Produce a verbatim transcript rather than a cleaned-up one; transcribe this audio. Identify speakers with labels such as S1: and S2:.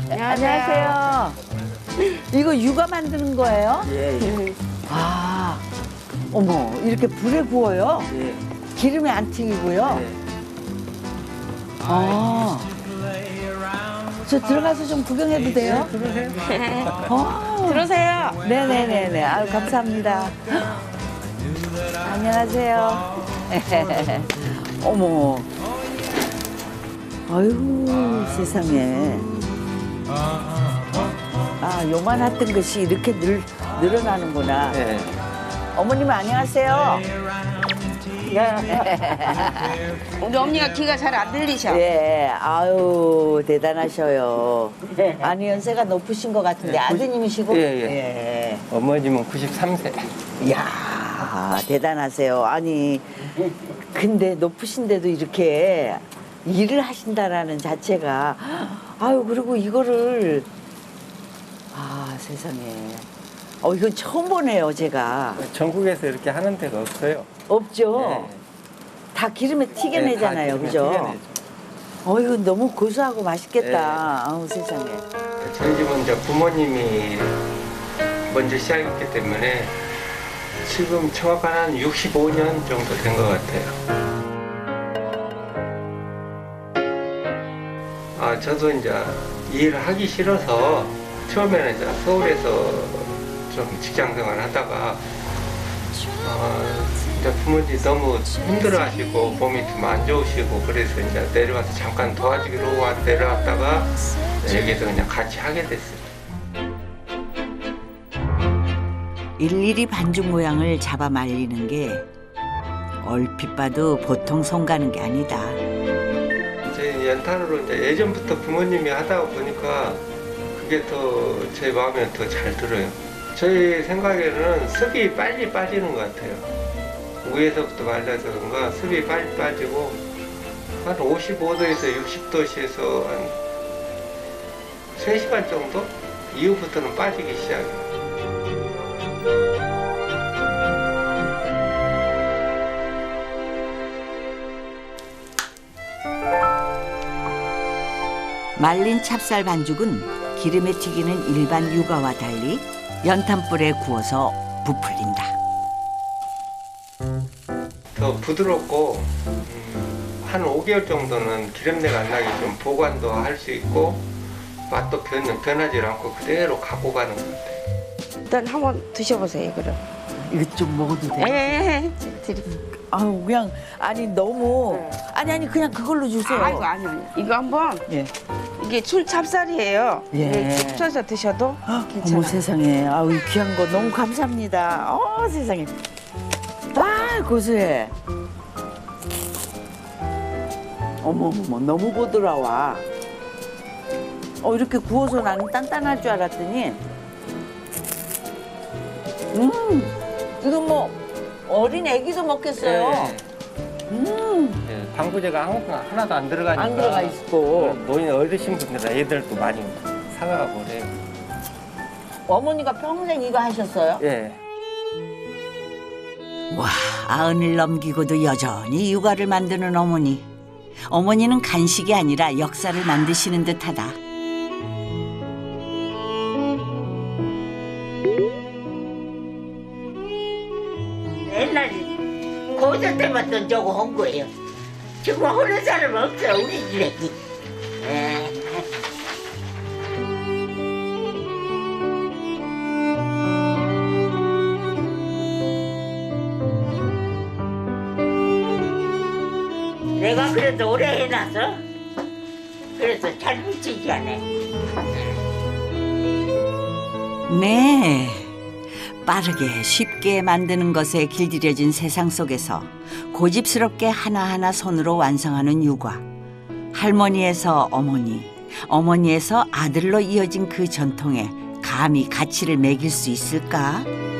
S1: 안녕하세요. 이거 육아 만드는 거예요?
S2: 예, 예.
S1: 아, 어머, 이렇게 불에 구워요?
S2: 예.
S1: 기름에 안 튀기고요?
S2: 예.
S1: 아, 저 들어가서 좀 구경해도 돼요?
S2: 들어오세요.
S1: 어,
S3: 들어오세요.
S1: 네네네네. 아유, 감사합니다. 안녕하세요. 어머. 아유, 세상에. 아, 요만했던 것이 이렇게 늘, 늘어나는구나.
S2: 예.
S1: 어머님, 안녕하세요.
S3: 우리 언니가 귀가 잘 안 들리셔.
S1: 예, 아유, 대단하셔요. 아니, 연세가 높으신 것 같은데, 아드님이시고?
S2: 예, 예. 어머님은 구십삼 세.
S1: 이야, 대단하세요. 아니, 근데 높으신데도 이렇게 일을 하신다라는 자체가, 아유, 그리고 이거를, 아, 세상에. 어, 이건 처음 보네요, 제가.
S2: 전국에서 이렇게 하는 데가 없어요.
S1: 없죠?
S2: 예.
S1: 다 기름에 튀겨내잖아요,
S2: 네, 다 기름에
S1: 그죠?
S2: 튀겨내죠.
S1: 어, 이거 너무 고소하고 맛있겠다.
S2: 네.
S1: 아우, 세상에.
S2: 저희 집은 이제 부모님이 먼저 시작했기 때문에 지금 정확한 한 육십오 년 정도 된 것 같아요. 아, 저도 이제 이 일을 하기 싫어서 처음에는 이제 서울에서 좀 직장 생활을 하다가 어, 이제 부모님이 너무 힘들어하시고 몸이 좀 안 좋으시고 그래서 이제 내려와서 잠깐 도와주기로 와- 내려왔다가 여기서 그냥 같이 하게 됐어요.
S4: 일일이 반죽 모양을 잡아 말리는 게 얼핏 봐도 보통 손 가는 게 아니다.
S2: 제 연탄으로 이제 예전부터 부모님이 하다 보니까 그게 더 제 마음에 더 잘 들어요. 저희 생각에는 습이 빨리 빠지는 것 같아요. 위에서부터 말려서 그런가 습이 빨리 빠지고 한 오십오 도에서 육십 도씨에서 한 세 시간 정도 이후부터는 빠지기 시작해요.
S4: 말린 찹쌀 반죽은 기름에 튀기는 일반 유가와 달리 연탄불에 구워서 부풀린다.
S2: 더 부드럽고 음, 한 오 개월 정도는 기름내가 안 나게 좀 보관도 할 수 있고 맛도 변, 변하지 않고 그대로 갖고 가는 것 같아요.
S3: 일단 한번 드셔보세요, 그럼.
S1: 이거 좀 먹어도
S3: 예,
S1: 돼?
S3: 예, 예. 드리.
S1: 아유, 그냥, 아니, 너무. 아니, 아니, 그냥 그걸로 주세요.
S3: 아이고, 아니요, 아니요. 이거 한번,
S1: 예.
S3: 이게 술 찹쌀이에요.
S1: 예.
S3: 이게 춥쳐서 드셔도 괜찮아요.
S1: 어머, 세상에. 아우, 이 귀한 거 너무 감사합니다. 어, 세상에. 아, 고소해. 어머, 어머, 너무 부드러워. 어, 이렇게 구워서 나는 단단할 줄 알았더니, 음, 이거 뭐, 어린 애기도 먹겠어요.
S2: 네.
S1: 음,
S2: 예, 방부제가 하나- 하나도 안 들어가니까
S1: 안 들어가 있고.
S2: 노인 어르신분들은 애들도 많이 사가고 그래요.
S1: 어머니가 평생 이거 하셨어요?
S2: 예.
S4: 와, 아흔을 넘기고도 여전히 육아를 만드는 어머니. 어머니는 간식이 아니라 역사를 만드시는 듯하다.
S5: 옛날에 고전 때부터 저거 한 거예요. 지금 하는 사람 없어 우리 집에. 에. 내가 그래도 오래 해놔서 그래서 잘 묻히지 않아.
S4: 네. 빠르게 쉽게 만드는 것에 길들여진 세상 속에서 고집스럽게 하나하나 손으로 완성하는 육아. 할머니에서 어머니, 어머니에서 아들로 이어진 그 전통에 감히 가치를 매길 수 있을까?